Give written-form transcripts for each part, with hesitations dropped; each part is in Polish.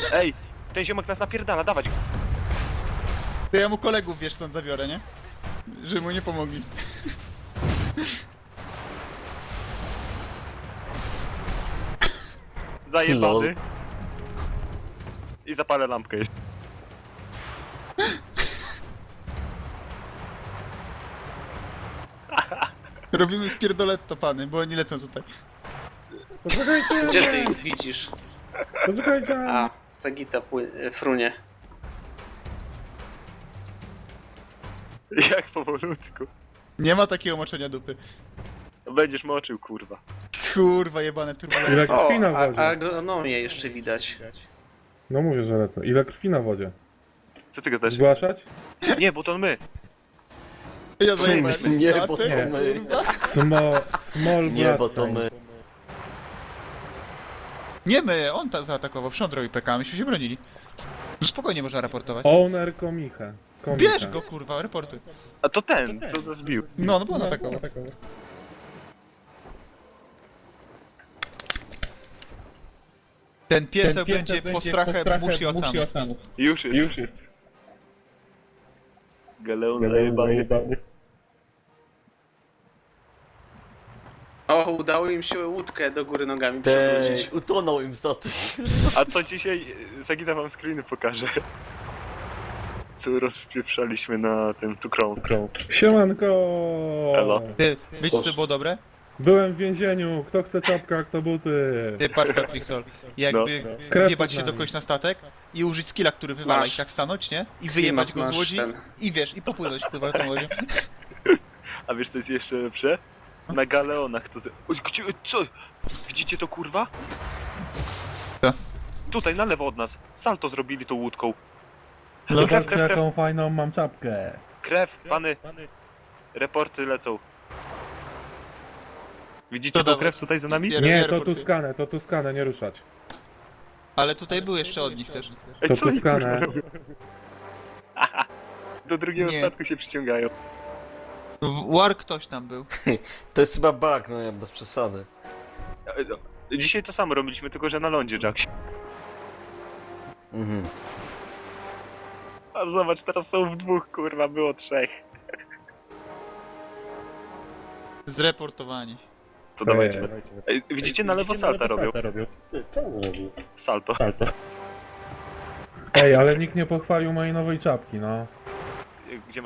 Ej, ten ziomek nas napierdala, dawać go. To ja mu kolegów, wiesz, stąd zabiorę, nie? Żeby mu nie pomogli. Zajebany. I zapalę lampkę jeszcze. Robimy spierdoletto, pany, bo oni lecą tutaj. Poczekajcie! Gdzie ty ich widzisz? Poczekajcie! A, Sagita frunie. Jak powolutku. Nie ma takiego moczenia dupy. Będziesz moczył, kurwa. Kurwa, jebane turbulence. Ile O, krwi na a wodzie? agronomię jeszcze widać. No mówię, że lecę. Ile krwi na wodzie? Co ty gadasz? Zgłaszać? Nie, bo to my. Ja zajebałem Nie, statek, bo to my. kurwa. Small Nie, bo to my. Nie my, on zaatakował, przód robi PK, myśmy się bronili. No spokojnie można raportować. Owner Komichę. Bierz go, kurwa, raportuj. A to ten, co nas bił. No bo on atakował. Ten pieseł będzie postrachem mórz i oceanów. Już jest. Galeon zajebany. O, udało im się łódkę do góry nogami przewrócić. Utonął im statek. A to dzisiaj Sagita wam screeny pokaże. Co rozpieprzaliśmy na tym tu krąg. Siemanko! Elo. Ty, wiecie co było dobre? Byłem w więzieniu. Kto chce czapka, kto buty? Ty, Parka Trixol. Jakby Krew wjebać pod się do nami. kogoś na statek i użyć skilla, który wywala Masz. i tak stanąć, nie? I wyjebać Klimat go z masz łodzi ten. i wiesz, i popłynąć kurwa tą łodzią. A wiesz co jest jeszcze lepsze? Na galeonach to... Oj, gdzie, co? Widzicie to, kurwa? Co? Tutaj, na lewo od nas. Salto zrobili tą łódką. Zobaczcie, jaką fajną mam czapkę. Krew, pany. Reporty lecą. Widzicie To tą dawaj. krew tutaj za nami? Nie, to Tuskanę, nie ruszać. Ale tutaj był jeszcze od nich też. Ej, To co oni kurwa Tuskanę. robią? Do drugiego Nie. statku się przyciągają. War ktoś tam był. To jest chyba bug, no nie, bez przesady. Dzisiaj to samo robiliśmy, tylko że na lądzie, Jack. Mhm. A zobacz, teraz są w dwóch, kurwa, było trzech. Zreportowani. To dawajcie. Ej, widzicie, na lewo salta robią. Co on robi? Salto. Ej, ale nikt nie pochwalił mojej nowej czapki, no. Gdzie ma...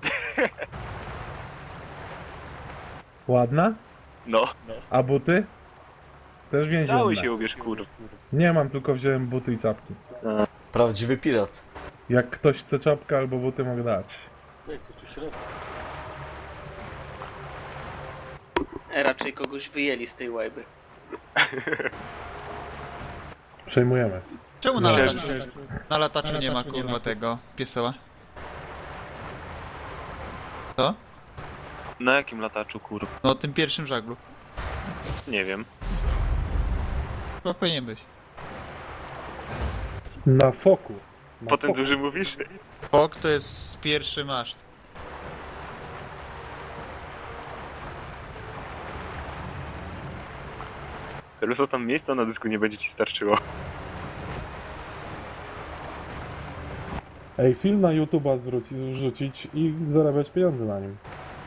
Ładna? No. A buty? Też więzienne. Cały się ubierz, kurwa. Nie mam, tylko wziąłem buty i czapki. Prawdziwy pirat. Jak ktoś chce czapkę albo buty, mogę dać. Jak coś tu środka? Raczej kogoś wyjęli z tej łajby. Przejmujemy. Czemu na, Myślę, na lataczu nie ma kurwa tego pieseła? Co? Na jakim lataczu, kurwa? No tym pierwszym żaglu. Nie wiem. Chyba powinien być. Na foku. Na Po ten foku. duży mówisz? Fok to jest pierwszy maszt. Ruso, tam miejsca na dysku nie będzie ci starczyło. Ej, film na YouTube'a wrzucić i zarabiać pieniądze na nim.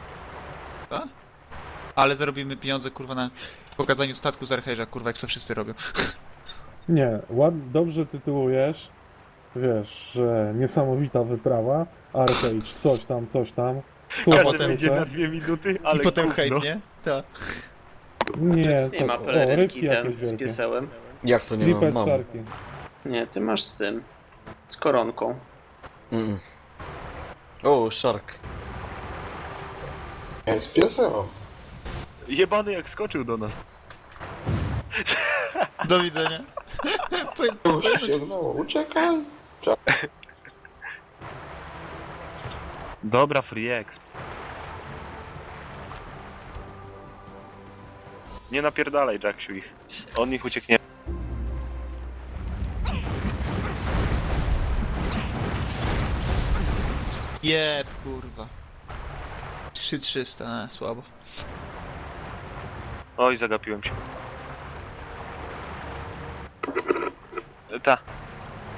Ale zarobimy pieniądze kurwa na pokazaniu statku z Archerza, kurwa, jak to wszyscy robią. Nie, dobrze tytułujesz. Wiesz, że niesamowita wyprawa. Arcade, coś tam. Każdy potem wyjdzie na 2 minuty, ale I potem gówno. hejt, nie? Tak. Nie, Nie ma pelerynki rybki ten jakieś z wielkie. piesełem. Jak to nie mam? Lipet Mam. Sharki. Nie, ty masz z tym. Z koronką. Mm. O, shark. Jest pieseo. Jebany jak skoczył do nas. Do widzenia. Sięgnęło, uciekaj. Dobra, free exp. Nie napierdalaj, Jacksiu, ich. On ich ucieknie. Jeb, kurwa. 3300, słabo. Oj, zagapiłem się. Ta.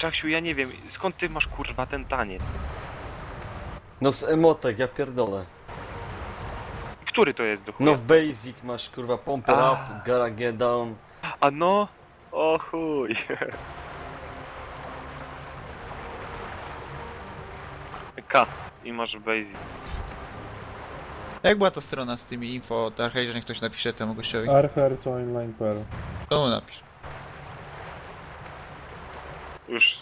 Czaksiu, ja nie wiem, skąd ty masz kurwa ten tanie? No z emotek, ja pierdolę. Który to jest do chuja? No w basic masz kurwa pump it up, gotta get down. A no? O chuj. K. I masz basic. Jak była ta strona z tymi info od Archage, niech ktoś napisze temu gościowi. Archer join line per. To mu napisz. Już.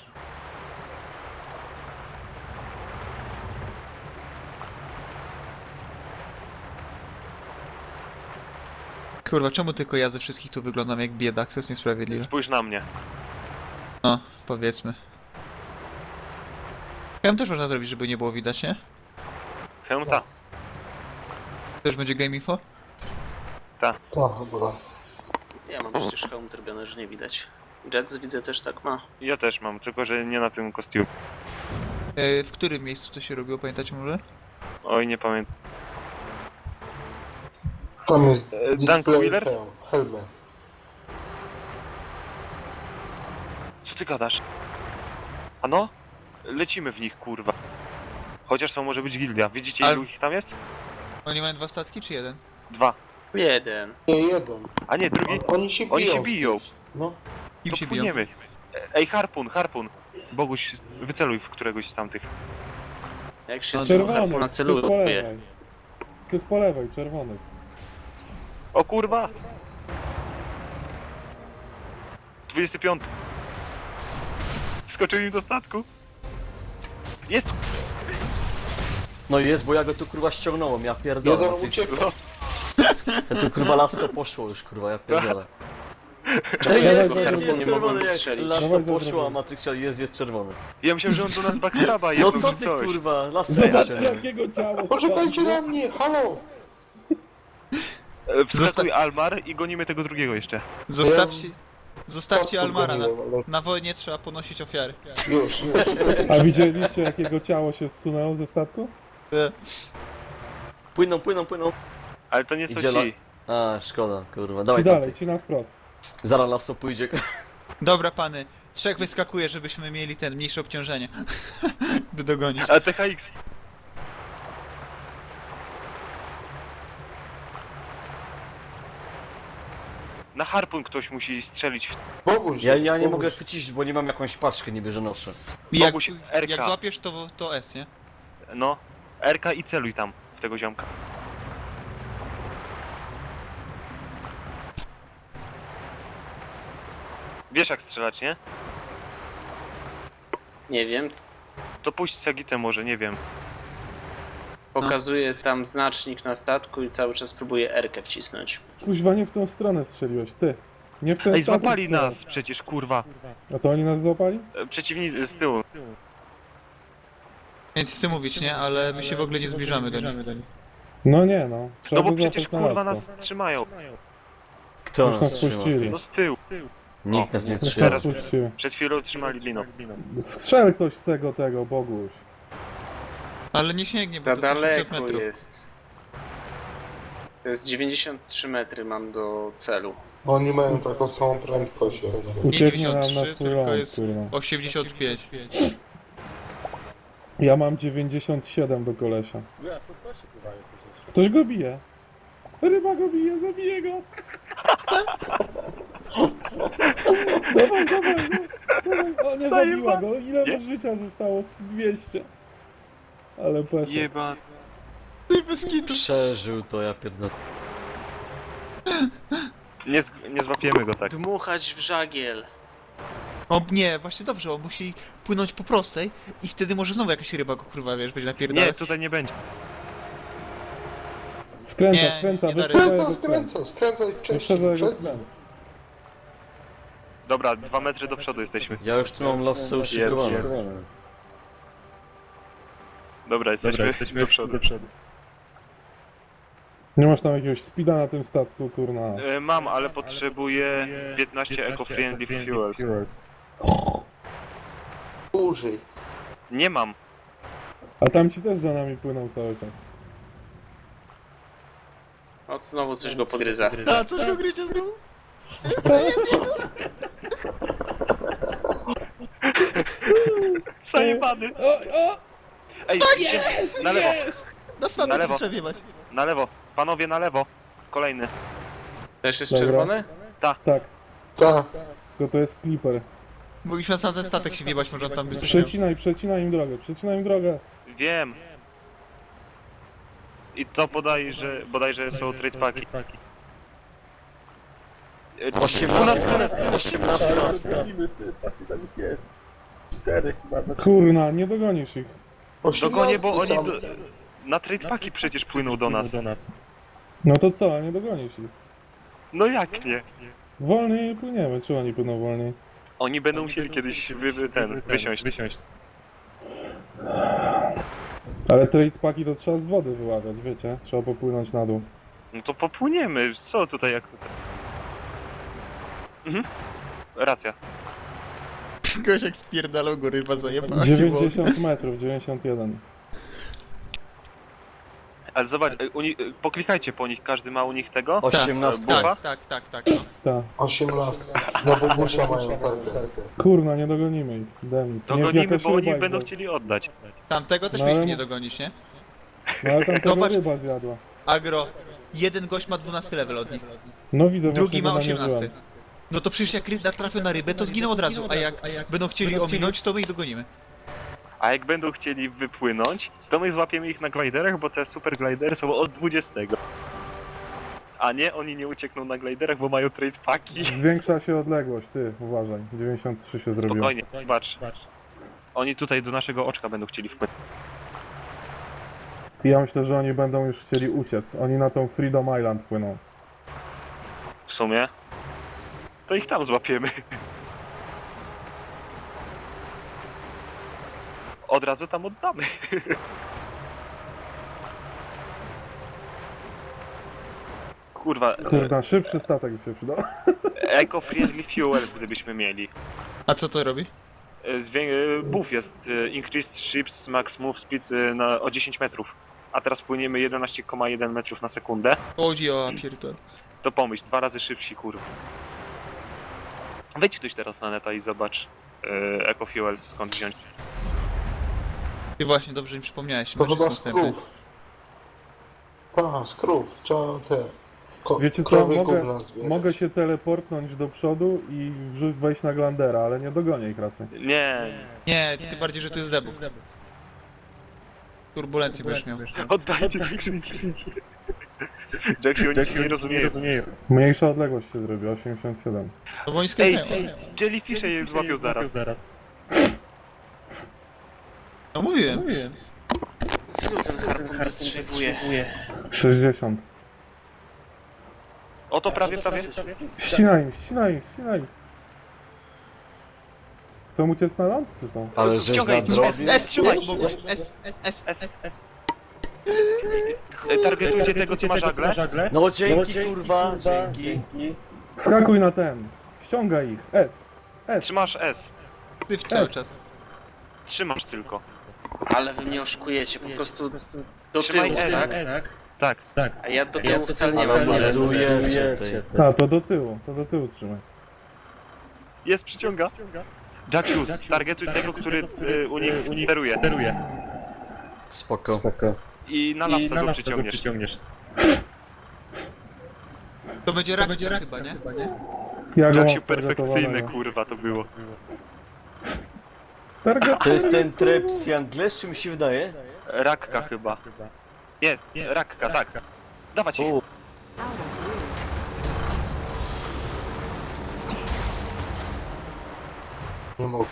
Kurwa, czemu tylko ja ze wszystkich tu wyglądam jak biedak? To jest niesprawiedliwe. Spójrz na mnie. No, powiedzmy. Hełm też można zrobić, żeby nie było widać, nie? Hełmta. Też będzie game info? Tak, chyba. Ja mam przecież hełm zrobiony, że nie widać. Jets widzę też tak ma. Ja też mam, tylko że nie na tym kostiumie. W którym miejscu to się robiło, pamiętacie może? Oj, nie pamiętam. Tam jest Dunk Wheelers? Helmet. Co ty gadasz? A no? Lecimy w nich, kurwa. Chociaż to może być gildia. Widzicie, Ale- ilu ich tam jest? Oni mają 2 statki czy jeden? 2. Jeden. Nie, jeden. A nie, drugi. Oni się biją. Oni się biją. No. Kim To się biją? płyniemy. Ej, harpun. Boguś, wyceluj w któregoś z tamtych. Jak się No, Czerwony, na ty po celuje. lewej. Ty po lewej, czerwony. O kurwa! 25. Skoczył im do statku. Jest! No jest, bo ja go tu kurwa ściągnąłem, ja pierdolę. Jeden Ty- uciekł. No, Ja tu kurwa lasso poszło już kurwa, ja pierdolę. Czemu Ej, ja jest, tego jest, harpunu jest nie czerwony, mogłem jak strzelić? lasso Dawaj, poszło, dobra. a Matrix jest czerwony. ja myślałem, że on do nas backstaba No jedną co czy ty coś. kurwa, lasso Zobacz poszło. jakiego ciała. Poczekajcie na mnie, halo! Wskakuj Almar i gonimy tego drugiego jeszcze. Zostawcie Almara, Ale- na wojnie trzeba ponosić ofiary. Już. A widzieliście jakiego ciało się zsunęło ze statku? Płyną. Ale to nie są Idzie ci. A, szkoda, kurwa, I dawaj dalej, dalej. ci na wprost. Zaraz lasso pójdzie. Dobra pany, 3 wyskakuje, żebyśmy mieli ten mniejsze obciążenie. By dogonić. A THX. Na harpun ktoś musi strzelić w... Boguś. Ja nie Boguś. mogę chwycić, bo nie mam jakąś paczkę niby, że noszę. I jak, Boguś, RK. jak złapiesz to S, nie? No. RK i celuj tam, w tego ziomka. Wiesz jak strzelać, nie? Nie wiem. To puść Sagitę może, nie wiem. Pokazuje tam znacznik na statku i cały czas próbuje R-kę wcisnąć. Kuźwa, nie w tą stronę strzeliłeś, ty. Nie w ten Ej, statek złapali strzelaj. nas przecież, kurwa. A to oni nas złapali? Przeciwnicy z tyłu. Więc chcę mówić, nie? Ale my się w ogóle nie zbliżamy do nich. No nie no. Trzeba No bo by przecież złapać na kurwa latko. nas trzymają. Kto Już nas nas trzyma? puścili. No z tyłu. Nikt nas nie Już trzyma. nas puścili. Przed chwilą trzymali liną. Strzel ktoś z tego, Boguś. Ale nie sięgnie, bo Za to 60 daleko metrów. jest. To jest 93 metry mam do celu. Oni mają taką samą prędkość. Ucieknie nam na 93, swój tylko ląd, jest kurwa. 85. Ja mam 97 do kolesia. Ja, to proszę pływają przecież. Ktoś go bije. Ryba go bije, zabiję go. Dawaj, dawaj. O, nie zabiła go. Ile Nie? mu życia zostało? 200. Ale pesek. Jeba. Przeżył to, ja pierdolę. Nie złapiemy go tak. Dmuchać w żagiel. O nie, właśnie dobrze, on musi płynąć po prostej i wtedy może znowu jakaś ryba go kurwa, wiesz, będzie napierdalać. Nie, tutaj nie będzie. Skręca, Nie, skręca, nie da wyprzedzaj Skręca, go skręca. skręcaj wcześniej. Wyprzedzaj go Przed... skręca. Dobra, 2 metry do przodu jesteśmy. Ja już tu mam lasso uszykowane. Dobra, jesteśmy do przodu. Nie masz tam jakiegoś speeda na tym statku, kurna. Mam, ale potrzebuję 15 eco-friendly fuels. Użyj. Nie mam. A tam ci też za nami płyną cały czas. O, znowu coś go podgryza. A co go gryzie znowu? Zajebany! O! Ej, idzie! Na lewo, Na Na statek lewo. trzeba wjebać. na lewo. Panowie, na lewo. Kolejny. Też jest Dobra. czerwony? Tak, Tak, tylko to jest Clipper. Mogliśmy na sam ten statek się wjebać, może on tam by coś miał. Przecinaj im drogę. Wiem. I to bodajże są trade packi. 18 lat. Kurna, nie dogonisz ich. Dogonię, bo oni na trade packi przecież płyną do nas. No to co, nie dogonisz ich. No jak nie? Wolniej płyniemy, czy oni płyną wolniej? Oni będą musieli kiedyś wysiąść. Ale trade paki to trzeba z wody wyławiać, wiecie? Trzeba popłynąć na dół. No to popłyniemy, co tutaj jak... Mhm. Racja. Goś jak spierdalał go ryba zajebała. 90 metrów, 91. Ale zobacz, poklikajcie po nich, każdy ma u nich tego. 18. Bufa? Tak, no. Tak. 18. Na Bogusia mają tarkę. Kurna, nie dogonimy ich. Demit. Dogonimy, bo oni będą chcieli oddać. Tamtego też No, mieliśmy ale- nie dogonić, nie? No ale tam tego Zobacz. ryba zjadła. Agro, jeden gość ma 12 level od nich, No widzę, drugi ma właśnie, 18. namierzyłem. No to przecież jak ryba trafił na rybę, to zginął od razu, a jak będą chcieli ominąć, to my ich dogonimy. A jak będą chcieli wypłynąć, to my złapiemy ich na gliderach, bo te super glidery są od 20. A nie, oni nie uciekną na gliderach, bo mają trade packi. Zwiększa się odległość, ty, uważaj. 93 się zrobiło. Spokojnie, patrz. Oni tutaj do naszego oczka będą chcieli wpłynąć. I ja myślę, że oni będą już chcieli uciec. Oni na tą Freedom Island płyną. W sumie. To ich tam złapiemy. Od razu tam oddamy. Kurwa, Kurna, szybszy statek by się przydał. eco-friendly fuels gdybyśmy mieli. A co to robi? Buff jest increased ships max move speed o 10 metrów. A teraz płyniemy 11,1 metrów na sekundę. Chodzi o pierdol. To pomyśl, 2 razy szybsi, kurwa. Wejdź ktoś teraz na neta i zobacz eco-fuels skąd wziąć. Ty właśnie, dobrze mi przypomniałeś, To masz chyba następny. skrów. Skrów. Trzeba te... Wiecie co, krowy gówna zbierać. mogę się teleportnąć do przodu i wejść na Glandera, ale nie dogonię ich raczej. Nie, Nie, tym bardziej, że tu jest debuff. Turbulencję będziesz miał. oddajcie skrzynki. Jacksie, oni cię nie rozumieją. Mniejsza odległość się zrobi, 87. No bo oni Ej, skręcają. jellyfishe je złapią zaraz. No mówiłem. Z ilu ten harpun wystrzeliwuje? 60. O, to prawie. Ścinaj ich. Chcą uciec na ląd, czy co? Ale żeś Wciągaj, nadrobił. trzymaj. S. Targetujcie tego, co ma żagle. No dzięki kurwa, dzięki. Skakuj na ten. Ściągaj ich. S. Trzymasz S. Ty cały czas. Trzymasz tylko. Ale wy mnie oszukujecie, po prostu do Trzymaj tyłu, S. tak? Tak. A ja do tyłu wcale nie mam. Analizujecie tej. Tak, to do tyłu trzymaj. Jest, przyciąga. Jacksiu, targetuj tego, który u nich steruje. Spoko. I na las go przyciągniesz. To będzie rak chyba, nie? Ja go mam Jacksiu, perfekcyjne, targetowanego. kurwa, to było. To jest ten tryb z Angles, czy mi się wydaje? Rakka chyba. Nie, rakka, tak. Dawać ich. U, Nie mogę.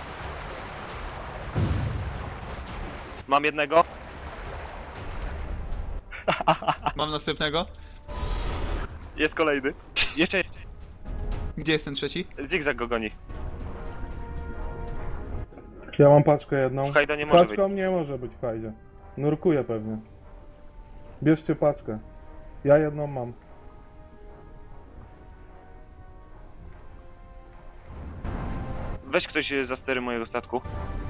Mam jednego. Mam następnego. Jest kolejny. Jeszcze Gdzie jest ten trzeci? zigzag go goni. Ja mam paczkę jedną. W hajda nie może być. Paczką nie może być w hajdzie. Nurkuje pewnie. Bierzcie paczkę. Ja jedną mam. Weź ktoś za stery mojego statku.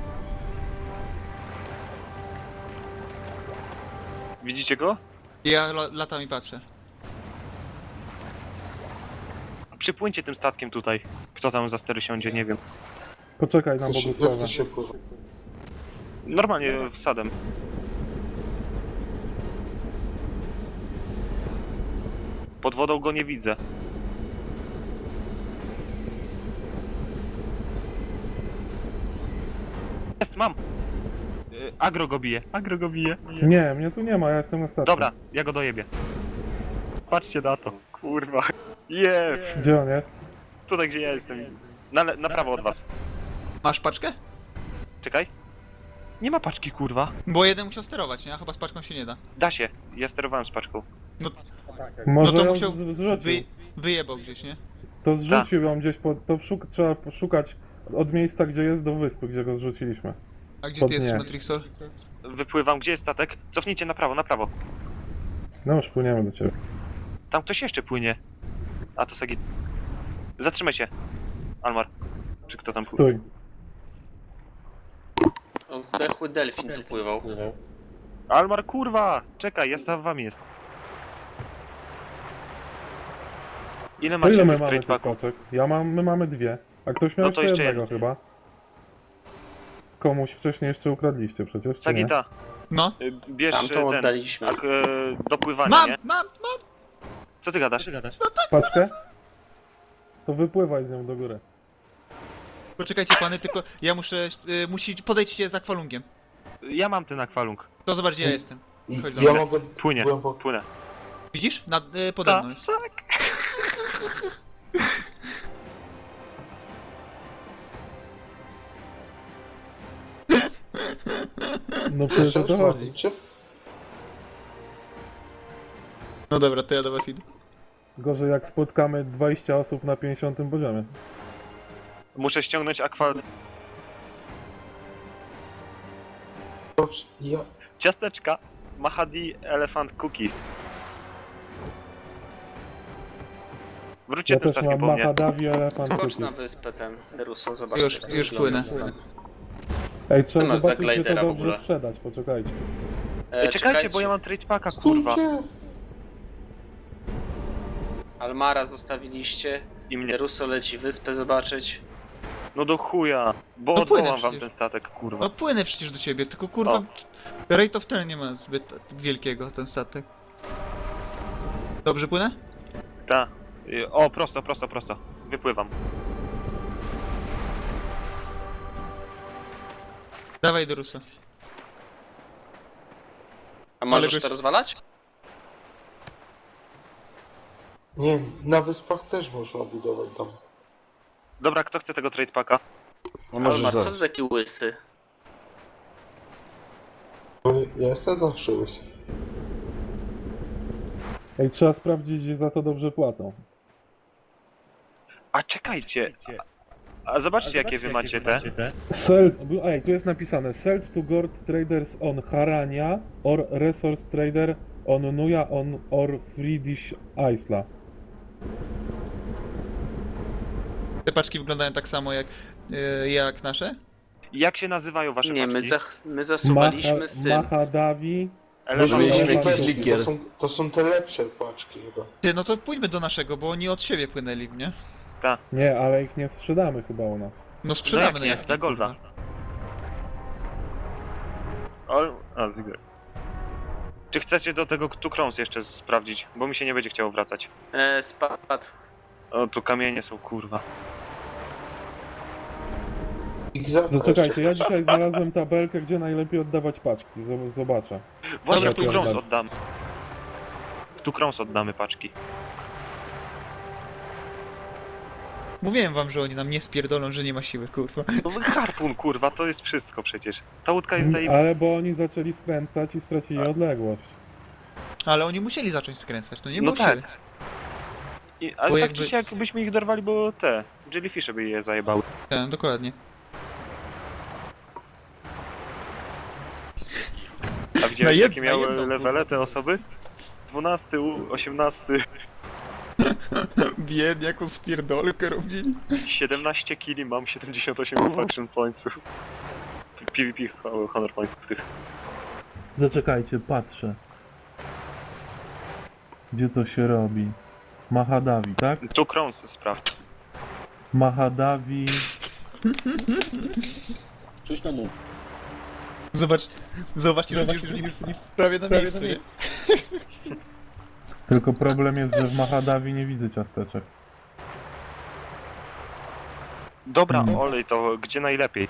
Widzicie go? Ja latam i patrzę. Przypłyńcie tym statkiem tutaj. Kto tam za stery siądzie, nie wiem. Poczekaj na Jak Bogusława. to się pływa? Normalnie wsadem. Pod wodą go nie widzę. Jest, mam! Agro go bije, agro go bije. Nie, mnie tu nie ma, ja jestem na statku. Dobra, ja go dojebię. Patrzcie na to, kurwa. Jeb! Gdzie on jest? Tutaj gdzie ja jestem. Na prawo od was. Masz paczkę? Czekaj. Nie ma paczki, kurwa. Bo jeden musiał sterować, nie? A chyba z paczką się nie da. Da się, ja sterowałem z paczką. Może to ją musiał zrzucił. Wyjebał gdzieś, nie? To zrzucił ją gdzieś, trzeba poszukać od miejsca, gdzie jest, do wyspy, gdzie go zrzuciliśmy. A gdzie Pod ty jesteś, nie. Matrixol? Wypływam, gdzie jest statek? Cofnijcie na prawo, na prawo. No już płyniemy do ciebie. Tam ktoś jeszcze płynie. A to Sagi. Zatrzymaj się. Almar. Czy kto tam płynie? Stój. On zdechły delfin tu pływał. Almar, kurwa! Czekaj, ja za wami jest. Ile To macie ile my tych mamy trade tych packów? paczek? My mamy dwie. A ktoś miał No to jeszcze jeszcze jednego chyba. Komuś wcześniej jeszcze ukradliście przecież, czy nie? Sagita, No. bierz Tam to ten oddaliśmy. do pływania, Mam, nie? mam! Co ty gadasz? Paczkę? To wypływaj z nią do góry. Poczekajcie pany, tylko ja podejdźcie z akwalungiem. Ja mam ten akwalung. To zobacz gdzie ja jestem. I Chodź ja dobra. mogę Płynie, głęboko... płynę. Widzisz? Pode mną jest. Tak. No przecież o to chodzi. Czy? No dobra, to ja do was idę. Gorzej jak spotkamy 20 osób na 50 poziomie. Muszę ściągnąć akwa... Ja... Ciasteczka. Mahadi Elephant Cookies. Wróćcie Ja tym też statkiem mam po mnie. Mahadavi Elephant Skocz Cookies. na wyspę ten, Deruso, zobaczcie. Już- jak to już wygląda. płynę. Ej, Ty trzeba masz za zobaczyć, gdzie to glidera w dobrze ogóle. sprzedać, poczekajcie. Czekajcie, bo ja mam trade packa, kurwa. Stójcie! Almara zostawiliście. I mnie. Deruso leci wyspę zobaczyć. No do chuja. Bo No płynę odwołam wam przecież. ten statek, kurwa. No płynę przecież do ciebie, tylko kurwa... O. Rate of ten nie ma zbyt wielkiego, ten statek. Dobrze płynę? Ta. O, prosto, prosto, prosto. Wypływam. Dawaj do Rusa. A możesz gość- to rozwalać? Nie, na wyspach też można budować dom. Dobra, kto chce tego trade packa? No możesz Almar, co dać. ty taki łysy? Bo ja jestem zawsze łysy. Ej, trzeba sprawdzić, gdzie za to dobrze płacą. A czekajcie. A zobaczcie, jakie wy macie te. Ej, tu jest napisane Sell to Gold Traders on Harania or Resource Trader on Nuya on or Friedrich Isla. Te paczki wyglądają tak samo jak nasze? Jak się nazywają wasze Nie, paczki? my zasuwaliśmy z tym. Mahadavi. Elephant mieliśmy Cookies. jakiś likier. To są te lepsze paczki chyba. Ty, no to pójdźmy do naszego, bo oni od siebie płynęli, nie? Nie, ale ich nie sprzedamy chyba u nas. No sprzedamy No jak nie, za golda. A, Ziggler. Czy chcecie do tego tu krąs jeszcze sprawdzić? Bo mi się nie będzie chciało wracać. Spadł. O, tu kamienie są, kurwa. Ich zapchać. Zaczekajcie, ja dzisiaj znalazłem tabelkę, gdzie najlepiej oddawać paczki. Zobaczę. Właśnie Dobra, w tu to krąs oddam. oddamy. W tu krąs oddamy paczki. Mówiłem wam, że oni nam nie spierdolą, że nie ma siły, kurwa. No harpun, kurwa, to jest wszystko przecież. Ta łódka jest zajeb... Ale bo oni zaczęli skręcać i stracili odległość. Ale oni musieli zacząć skręcać, no nie No było tak. siły. Ale Bo tak jakby- czy siak byśmy ich dorwali, bo te jellyfishy by je zajebały. Tak, dokładnie. A widziałeś Na jakie miały jedną, levele te osoby? 12, 18, Biednie, jaką spierdolkę robili. 17 killi, mam 78 faction pointsów. PvP honor pointsów tych. Zaczekajcie, patrzę. Gdzie to się robi? Mahadavi, tak? Tu krąs sprawdź. Mahadavi Czuć na mu. Zobacz, że prawie na miejscu, nie? Tylko problem jest, że w Mahadavi nie widzę ciasteczek. Dobra, olej, to gdzie najlepiej?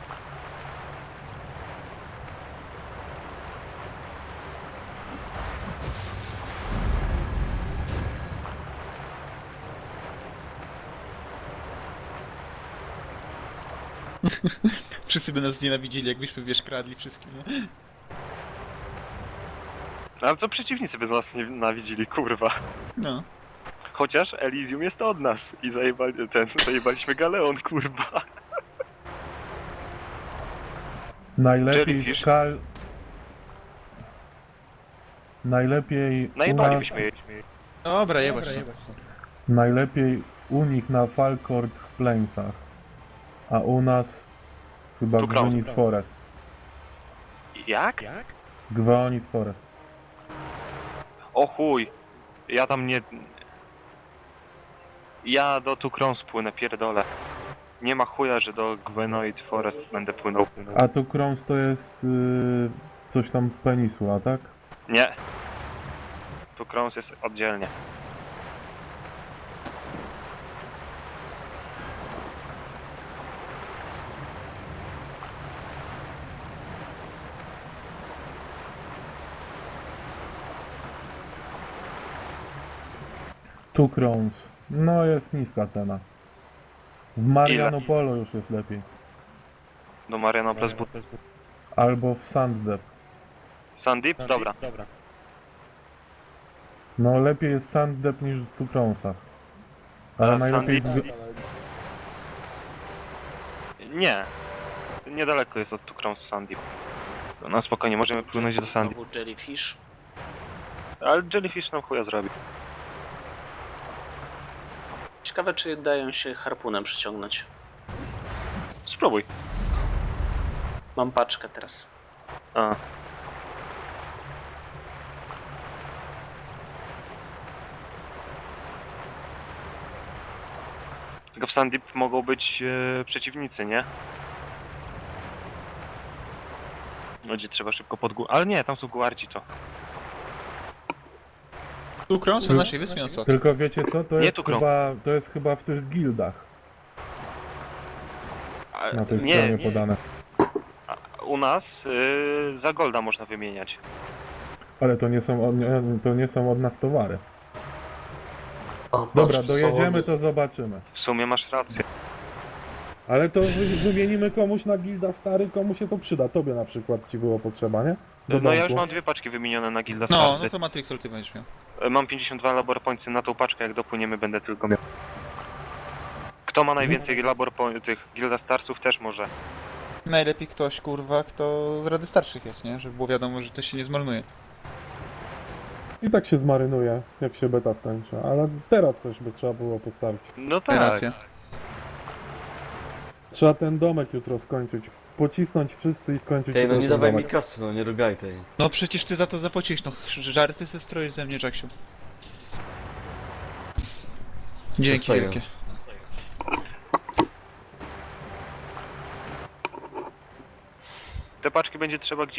Wszyscy by nas nienawidzili, jakbyśmy, wiesz, kradli wszystkim, nie? Ale to przeciwnicy by nas nie nienawidzili, kurwa. No. Chociaż Elysium jest od nas i zajebaliśmy Galeon, kurwa. Najlepiej Jellyfish. Najlepiej u nas... Najebalibyśmy jej. Dobra, jebać. Najlepiej u nich na Falkord w Plainsach. A u nas chyba Tu Crown. Gwenit Forest. Jak? Gwenit Forest. O chuj. Ja tam nie... Ja do Tukron spłynę, pierdolę. Nie ma chuja, że do Gwenoid Forest będę płynął. A tu Krons to jest coś tam Peninsula, tak? Nie. Tukrons jest oddzielnie. Tu Krons. No jest niska cena. W Marianopolo już jest lepiej. Do Mariana Plus Albo w Sanddep. Sandip? Dobra. No lepiej jest Sanddep niż w tu Kronsach. Ale A najlepiej... Sanddip? Nie. Niedaleko jest od Tukrons Sandip. No spokojnie, możemy płynąć do Sandip. Znowu Jellyfish. Ale Jellyfish nam chuja zrobi. Ciekawe, czy dają się harpunem przyciągnąć. Spróbuj. Mam paczkę teraz. A. Tylko w Sandip mogą być przeciwnicy, nie? Gdzie trzeba szybko Ale nie, tam są guardzi to. Tu krąg są naszej wyspie, no co? Tylko wiecie co? To Nie jest, tu Krons. to jest chyba w tych gildach. A, Na tej nie, stronie nie. podane. U nas za golda można wymieniać. Ale to nie są od nas towary. A, patrz, Dobra, są dojedziemy, one- to zobaczymy. W sumie masz rację. Ale to wymienimy komuś na gilda stary, komu się to przyda. Tobie na przykład ci było potrzeba, nie? Do No ja już domku. mam 2 paczki wymienione na Gilda No, Starsy. no to Matrixol ty będziesz miał. Mam 52 labor pointsy na tą paczkę, jak dopłyniemy będę tylko miał. Kto ma najwięcej tych Gilda Starsów też może. Najlepiej ktoś, kurwa, kto z Rady Starszych jest, nie? Żeby było wiadomo, że to się nie zmarnuje. I tak się zmarynuje, jak się beta skończy. Ale teraz coś by trzeba było postawić. No Tak. tak. Racja. Trzeba ten domek jutro skończyć. Pocisnąć wszyscy i skończyć Ej, no jutro nie ten dawaj mi domek. kasy, no nie robiaj tej. No przecież ty za to zapłaciłeś, no żarty se stroisz ze mnie, Jacksiu. Dzięki Zostaję. wielkie. Te paczki będzie trzeba gdzieś